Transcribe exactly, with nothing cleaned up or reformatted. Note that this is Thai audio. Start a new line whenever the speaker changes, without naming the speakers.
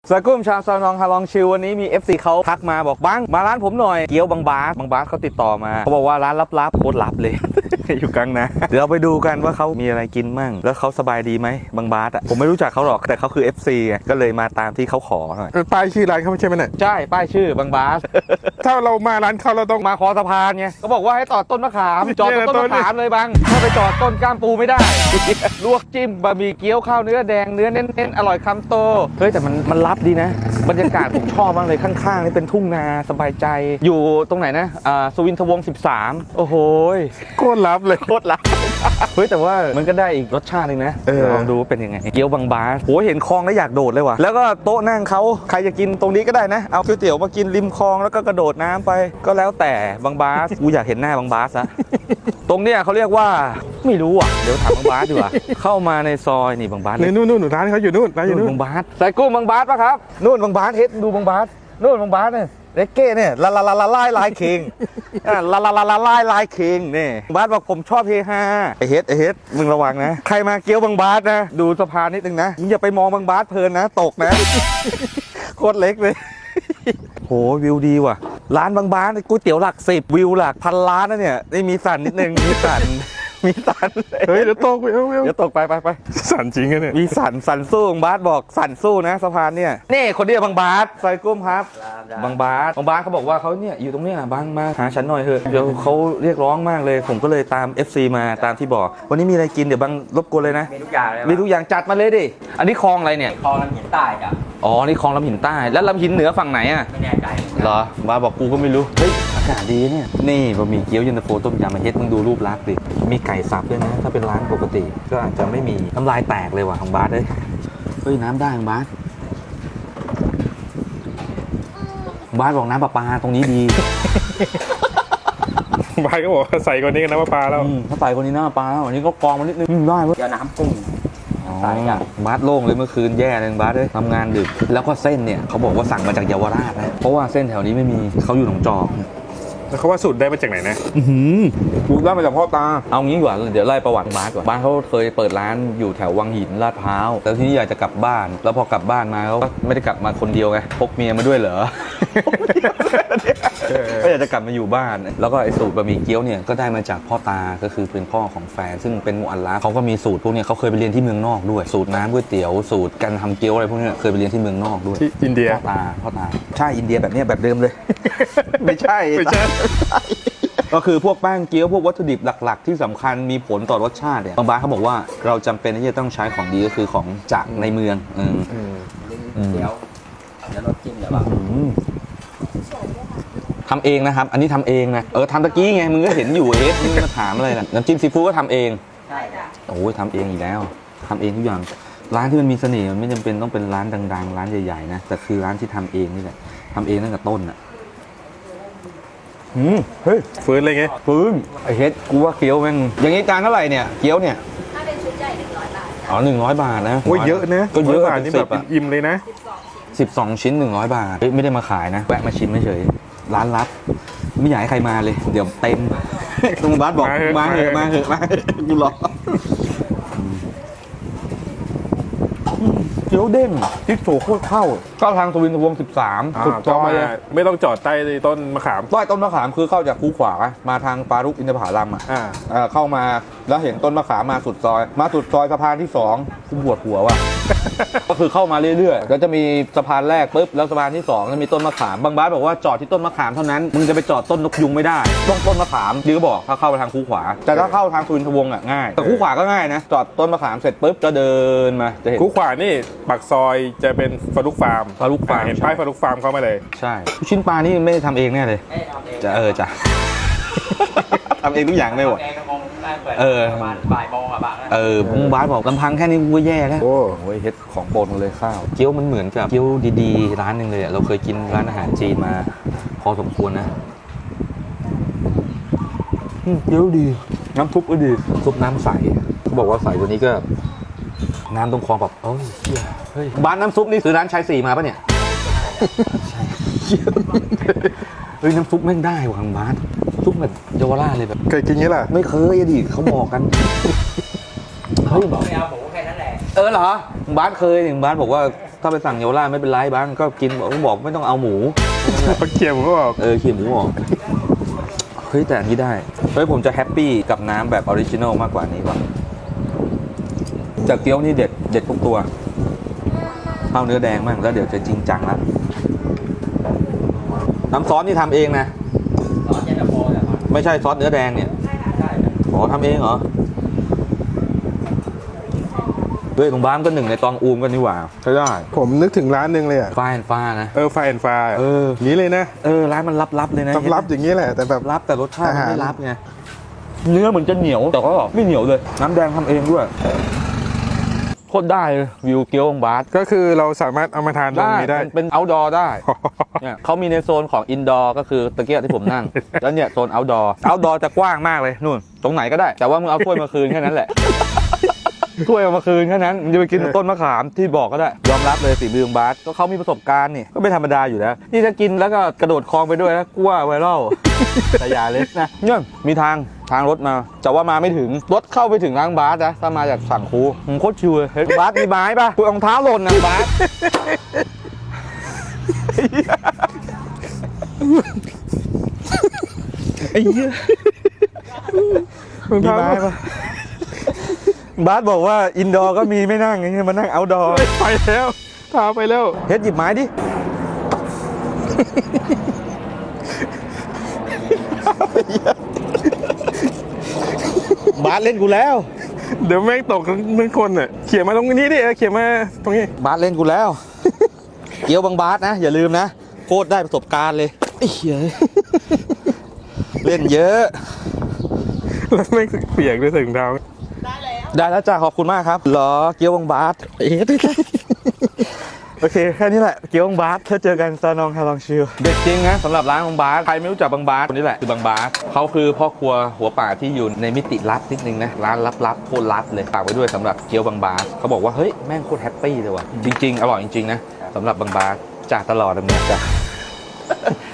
สกุ้มชาวซานองฮาลองชิววันนี้มี เอฟ ซี เขาทักมาบอกบังมาร้านผมหน่อยเกี๊ยวบางบาสบางบาสเขาติดต่อมาเขาบอกว่าร้านลับๆโคตรลับเลย อยู่กลางนะเดี๋ยวเราไปดูกันว่าเขามีอะไรกินมั่งแล้วเขาสบายดีไหมบางบาสอ่ะผมไม่รู้จักเขาหรอกแต่เขาคือ เอฟ ซี ไงก็เลยมาตามที่เขาขอหน่อย
ป้ายชื่อร้านเขาไม่ใช่ไหมเนี่ย
ใช่ป้ายชื่อบางบาส
ถ้าเรามาร้านเขาเราต้อง
มาคอสะพานไงเขาบอกว่าให้จอดต้นมะขามจอด
เนี่ย
ต้น
ต้น
มะขามเลยบังถ้าไปจอดต้นก้ามปูไม่ได้ ลวกจิ้มบะหมี่เกี๊ยวข้าวเนื้อแดงเนื้อเน้นๆอร่อยคำโตเฮ้ยแต่มันมันลับดีนะบรรยากาศผมชอบมากเลยข้างๆนี่เป็นทุ่งนาสบายใจอยู่ตรงไหนนะอ่าสุวินทวงศ์สิบสามโอ้โห
โคตรลับเลย
โคตรลับ เฮ้ยแต่ว่ามันก็ได้อีกรสชาติหนึงนะ
เออ
ลองดูว่าเป็นยังไงเกี๊ยวบางบาสโอ้ยเห็นคลองแล้วอยากโดดเลยว่ะแล้วก็โต๊ะนั่งเขาใครจะกินตรงนี้ก็ได้นะเอาก๋วยเตี๋ยวมากินริมคลองแล้วก็กระโดดน้ำไปก็แล้วแต่บางบาสกูอยากเห็นหน้าบางบาสอะ ตรงเนี้ยเขาเรียกว่าไม่รู้อ่ะเดี๋ยวถามบางบาสดีกว่าเข้ามาในซอยนี่บางบาส
นี่นู่นนู่นร้านเขาอยู่นู่นร้านอยู่
นู่
นู่
น
น
บางบาสใส่กุ้งบางบาสปะครับนู่นบางบาสเฮ็ดดูบางบาสนู่นบางบาสเนี่ยเล็กเก้เนี่ยลาลาลาลาลายลายคิงอ่ะลาลาลาลาลายลายคิงนี่บาสบอกผมชอบเฮฮาไอเฮ็ดไอเฮ็ดมึงระวังนะใครมาเกี้ยวบางบาสนะดูสะพานนิดนึงนะมึงอย่าไปมองบางบาสเพลินนะตกนะ โคตรเล็กเลย โหวิวดีว่ะร้านบางบาสก๋วยเตี๋ยวหลักสิบวิวหลักพันล้านนะเนี่ยนี่มีสั่นนิดนึงมีสั่น มีสั่น
เฮ้ยเดี๋ยวตกไปเอ้าเอ้า
เดี๋ยวตกไปไปไป
สั่นจริงอะเนี่ย
มีสั่นสั่นสู้บางบาสบอกสั่นสู้นะสะพานเนี่ยนี่คนเดียวบางบาสใส่กุ้มครับบางบาสบางบาสเขาบอกว่าเขาเนี่ยอยู่ตรงเนี้ยบางมาหาฉันหน่อยเถอะเดี๋ยวเขาเรียกร้องมากเลยผมก็เลยตาม เอฟ ซี มาตามที่บอกวันนี้มีอะไรกินเดี๋ยวบางรบกวนเลยนะ
มีทุกอย่างเลย
มีทุกอย่างจัดมาเลยดิอันนี้คลองอะไรเนี่ย
คลองลำหินใต้จ้ะ
อ๋อนี่คลองลำหินใต้แล้วลำหินเหนือฝั่งไหนอ่ะ
ไม่แน่ใจ
เหรอมาบอกกูก็ไม่รู้เฮ้ยอากาศดีเนี่ยนี่บะหมี่เกี๊ยวเย็นตาโฟต้มยำมาเฮ็ดมึงดูรูปลักษณ์ดิมีไก่สับด้วยนะถ้าเป็นร้านปกติก็อาจจะไม่มีน้ำลายแตกเลยว่ะของบาสเอ้ยเฮ้ยน้ำได้ของบาสบาสบอกน้ำประปาตรงนี้ดี
บายก็บอกว่าใส่กว่านี้กันนะว่าปลาแล้ว
อืมถ้าใส่คนนี้น้ำประปาแล้วอันนี้ก็กรองมานิดนึงอืมได้เว้ย
เดี๋ยวน้ำกุ้ง
อ๋อ
ใส่จ้ะ
บาสโล่งเลยเมื่อคืนแย่เลยบาสเลยทำงานดึกแล้วก็เส้นเนี่ยเขาบอกว่าสั่งมาจากเยาวราชนะเพราะว่าเส้นแถวนี้ไม่มีเขาอยู่หนองจอก
แล้วเขาว่าสูตรได้มาจากไหนนะ
อือดูได้มาจากพ่อตา เอางี้ดีกว่าเดี๋ยวไล่ประวัติบาสก่อนบ้านเขาเคยเปิดร้านอยู่แถววังหินลาดพร้าวแล้วที่นี่อยากจะกลับบ้าน แล้วพอกลับบ้านมาเขาก็ไม่ได้กลับมาคนเดียวไงพกเมียมาด้วยเหรอ ก็อยากจะกลับมาอยู่บ้าน แล้วก็ไอ้สูตรบะหมี่เกี๊ยวเนี่ยก็ได้มาจากพ่อตาก็คือเป็นพ่อของแฟนซึ่งเป็นมุอัลลาฟเขาก็มีสูตรพวกเนี้ยเขาเคยไปเรียนที่เมืองนอกด้วยสูตรน้ำก๋วยเตี๋ยวสูตรการทำเกี๊ยวอะไรพวกเนี้ยเคยไปเรียนที่เมืองนอกด้วย
ที่อินเดีย
พ่อตาพ่อตาใช่อินเดียแบบเนี้ยแบบเดิมเลย ไม่ใช่
ไม่ใช่
ก็คือพวกแป้งเกี๊ยวพวกวัตถุดิบหลักๆ ที่สำคัญมีผลต่อรสชาติเนี่ยบางบ้านเขาบอกว่าเราจำเป็นที่จะต้องใช้ของดีก็คือของจากในเมืองอืม
อืม
อืม
เดี๋ยวเดี๋ยวรสจิ้มเดี๋ยวแบบ
อืมทำเองนะครับ อันนี้ทำเองนะเออทำตะกี้ไงมึงก็เห็นอยู่เอ๊ะมึงมาถามอะไรน่ะน้ำจิ้มซีฟู้ดก็ทำเอง
ใช่จ้ะ
โอ้ยทำเองอีกแล้วทำเองทุกอย่างร้านที่มันมีเสน่ห์มันไม่จำเป็นต้องเป็นร้านดังๆ ร้านใหญ่ๆนะแต่คือร้านที่ทำเองนี่แหละทำเองตั้งแต่ต้นอ่ะอืมเฮ้ย
ฟื้นเลยไง
ปื้มไอเฮ็ดกูว่าเกี๊ยวแม่งอย่างนี้จานเท่าไหร่เนี่ยเกี๊ยวเนี่ย
ถ้าเป็นชุดใหญ่หนึ่งร้อยบาท
อ๋อหนึ่งร้อยบาทนะ
โอ้ยเยอะนะ
ก็เยอะ
ร้บาท
เป็น
นี่
สิ
แบบ บ
อ่ะ
อิ่มเลยนะ
สิบสองชิ้นหนึ่งร้อยบาทเฮ้ยไม่ได้มาขายนะแวะมาชิมเฉยร้านลับไม่อยากให้ใครมาเลย เดี๋ยวเต็ม ตรงบ้านบอกมาเถอะมาเถอะมาเถอะกูรอเกี๊ยวเด้งพริกโถโคตรเข้าเข้าทางสุวินทวงศ์สิบสาม
อ่า
สุดซ
ก็
อย
มา
เลย
ไม่ต้องจอดใต้ต้นมะขาม
ต้อยต้นมะขามคือเข้าจากคูขวามาทางปารุกอินทผลัมอ่ะ
อ่า
เอ่อเข้ามาแล้วเห็นต้นมะขามมาสุดซอย มาสุดซอยสะพานที่สองกูปวดหัวว่ะ ก็คือเข้ามาเรื่อยๆแล้วจะมีสะพานแรกปุ๊บแล้วสะพานที่สองจะมีต้นมะขามบางบ้านบอกว่าจอดที่ต้นมะขามเท่านั้นมึงจะไปจอดต้นนกยุงไม่ได้ต้องต้นมะขามดีก็บอกถ้าเข้าไปทางคูขวาแต่ถ้าเข้าทางสุวินทวงศ์อ่ะง่ายแต่คูขวาก็ง่ายนะจอดต้นมะขามเสร็จปุ๊บก็เดินมาจะเห็น
คูขวานี่ปากซอยจะเป็นฟารุกฟาร์ม
ฟารุกฟาร์ม
อ่เห็นป้ายฟารุกฟาร์มเข้ามาเลย
ใช่ลูกชิ้นปลานี่ไม่ได้ทำเองแน่เลย
ไม่ได้ทำเอง
จะเออจ้ะ ทำเองทุกอย่างเลยว่ะ
ทำเองก็คงได้เปิด
เออ
ประมาณบ่ายโมงอะบางนะ
เออมึงบาสบอกลำพังแค่นี้กูก็แย่แล้ว
โอ้
โอ้ยเฮ็ดของโปรดมาเลยข้าวเกี๊ยวมันเหมือนกับเกี๊ยวดีๆร้านหนึ่งเลยอะเราเคยกินร้านอาหารจีนมา พอสมควรนะอืมเกี๊ยวดีน้ำซุปก็ดีซุปน้ำใสเขาบอกว่าใสกว่านี้ก็ น้ำตรงคลองแบบเอ้ยเหี้ยเฮ้ยบ้านน้ำซุปนี่คือร้านชายสี่มาปะเนี่ย เฮ้ยน้ำซุปแม่งได้ว่ะทางบ้านซุปแบบเยาวราชเลยแบบ
เคยกินงี้ล่ะ
ไม่เคยอะดิเขาบอกกัน เฮ้ย
บอกไม่เอาหมูแค่นั้นแหละ
เออเหรอบ้านเคยหนึ่งบ้านบอกว่าถ้าไปสั่งเยาวราชไม่เป็นไรบ้างก็กินบอกบอกไม่ต้องเอาหมู
เขาเคี่ยวผมก็บอก
เออเคี่ยวหมูออกเฮ้ยแต่อันนี้ได้เฮ้ยผมจะแฮปปี้กับน้ำแบบออริจินอลมากกว่านี้ว่ะจากเกี๊ยวนี่เด็ดเด็ดทุกตัวเอาเนื้อแดงมั่งแล้วเดี๋ยวจะจริงจังละน้ำซอสนี่ทำเองนะ
ตอนเย็นตาโฟเนี่ยครับ
ไม่ใช่ซอสเนื้อแดงเนี่ย
ใช่
อ๋อทำเองเหรอเฮ้ยโรงพยาบาลก็หนึ่งในตองอูมกันนี่หว่าใช่ได้
ผมนึกถึงร้านหนึ่งเลยอ่ะ
ฟ้าแอนฟ้านะ
เออไฟแอนฟ้า
เออ
นี้เลยนะ
เออร้านมันลับๆเลยนะ
ลับๆอย่างนี้แหละแต่แบบ
ลับแต่รสชาติมัน
อาหาร
ไม่ลับไงเนื้อเหมือนจะเหนียวแต่ก็ไม่เหนียวเลยน้ำแดงทำเองด้วยโคตรได้เลยวิวเกี๊ยวองบาส
ก็คือเราสามารถเอามาทานตรงนี้ได้
มันเป็น outdoor ได้ เนี่ยเขามีในโซนของ indoor ก็คือตะเกียบที่ผมนั่ง แล้วเนี่ยโซน outdoor outdoor จะกว้างมากเลยนู่นตรงไหนก็ได้ แต่ว่ามึงเอาถ้วยมาคืนแค่นั้นแหละ ถ้วยเอามาคืนแค่นั้นมึงจะไปกินต้นมะขามที่บอกก็ได้ ยอมรับเลยฝีมือองบาสก็เขามีประสบการณ์นี่ก็ไม่ธรรมดาอยู่แล้วนี่ถ้ากินแล้วก็กระโดดคลองไปด้วยนะกลัวไวรัล แต่อย่าเลยนะเนี่ยมีทางทางรถมาแต่ว่ามาไม่ถึงรถเข้าไปถึงร้านบาสนะถ้ามาจากฝั่งคูมึงโคตรชิวเลยเฮ้ยบาสมีไม้ป่ะกูรองเท้าหล่นนะบาส ไอ้เหี้ยมีไม้ป่ะบาสบอกว่าอินดอร์ก็มีไม่นั่งไงมานั่งเอาท์ดอร์
ไปแล้วพาไปแล้ว
เฮ็ดหยิบไม้ดิ บาสเล่นกูแล้ว
เดี๋ยวแม่งตกทั้งคนอ่ะเขี่ยมาตรงนี้ดิเขี่ยมาตรงนี้
บาสเล่นกูแล้ว เกี๊ยวบางบาสนะ อย่าลืมนะโคตรได้ประสบการณ์เลยไอ้เหี้ยเล่นเยอะ
แล้วแม่งเปียกด้วยใส่ถุงเท้า
ได้แล้วจ้าขอบคุณมากครับเหรอเกี๊ยวบางบาสเอ๊ะไม่ใช่โอเคแค่นี้แหละเกี๊ยวบางบาสถ้าเจอกันซานองฮาลองชิลเด็ดจริงนะสำหรับร้านบางบาสใครไม่รู้จักบางบาสคนนี้แหละคือบางบาสเขาคือพ่อครัวหัวป่าที่อยู่ในมิติลับนิดนึงนะร้านลับๆโคตรลับเลยฝากไว้ด้วยสำหรับเกี๊ยวบางบาสเขาบอกว่าเฮ้ยแม่งโคตรแฮปปี้เลยว่ะจริงๆอร่อยจริงๆนะสำหรับบางบาสจากตลอดเลยจ้ะ